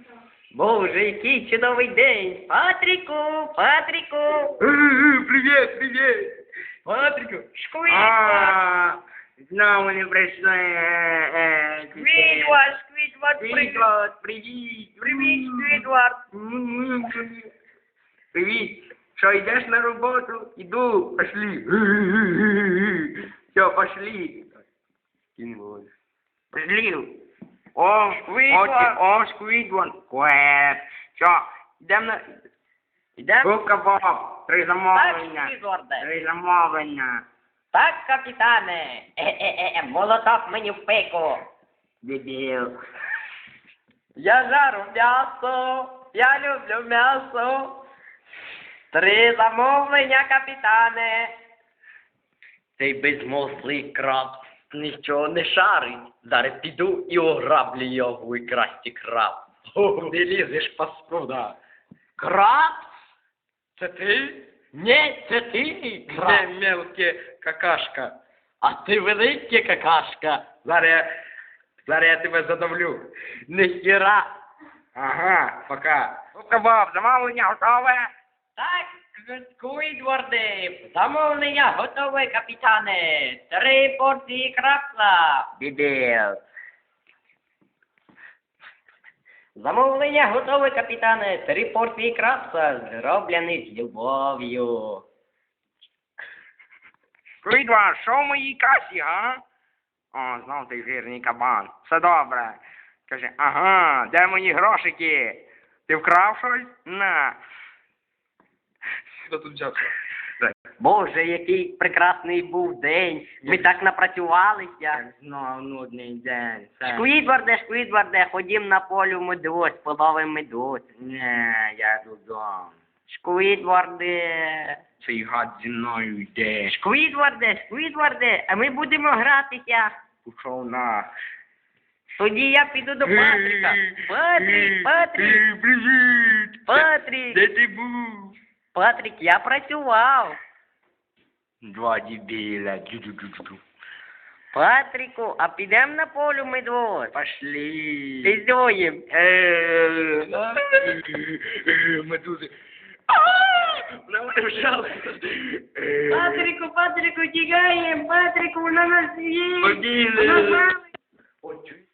Боже, який чудовий день! Патріку, Патріку! Привіт, привіт! Патріку, Шквідвард! Знову не прийшли. Шквідвард, Шквідвард, привіт! Шквідвард, привіт! Привіт, Шквідвард! Привіт! Що, йдеш на роботу? Іду, пошли. Все, пошли. Пошли. О, Шквідвард. о, Шквідвард. Квет. Що, йдемо на... Ідемо? Губка Боб, 3 Так, замовлення. Шквідварде. 3 замовлення. Так, капітане. Молоток мені в пику. Дебіл. Я жару м'ясо, я люблю м'ясо. 3 замовлення, капітане. Цей безмозлий краб нічого не шарить. Зараз піду і ограблю його і красті краб. Не лізеш, паскуда. Краб? Це ти? Ні, це ти, Не краб. мелке какашка. А ти велика какашка. Зараз я тебе задавлю. Ніхіра. Ага, пока. Губка Боб, замовлення готове? Так, Сквідварди, замовлення готове, капітане. 3 порції крабса. Дебіл. Замовлення готове, капітане. 3 порції крабса, зроблені з любов'ю. Сквідвард, що в моїй касі, а? О, знов той жирний кабан. Все добре. Каже, ага, де мої грошики? Ти вкрав щось? На. Що тут взявся? Боже, який прекрасний був день. Ми так напрацювалися. Знов нудний день. Шквідварде, ходім на полю медведь, половим медведь. Не, я додому. Шквідварде. Цей гад зі мною йде. Шквідварде, а ми будемо гратися. Пішов на. Тоді я піду до Патріка. Патрік, Привіт! Патрік. Де ти був? Патрік, я працював. 2 дебіля. Джу-джу-джу-джу. Патріку, а підемо на полю медведь? Пошли. Піздюєм. Медузи. На мене вжали. Патріку, тікаємо, Патріку, на нас є. Побігли. Ой,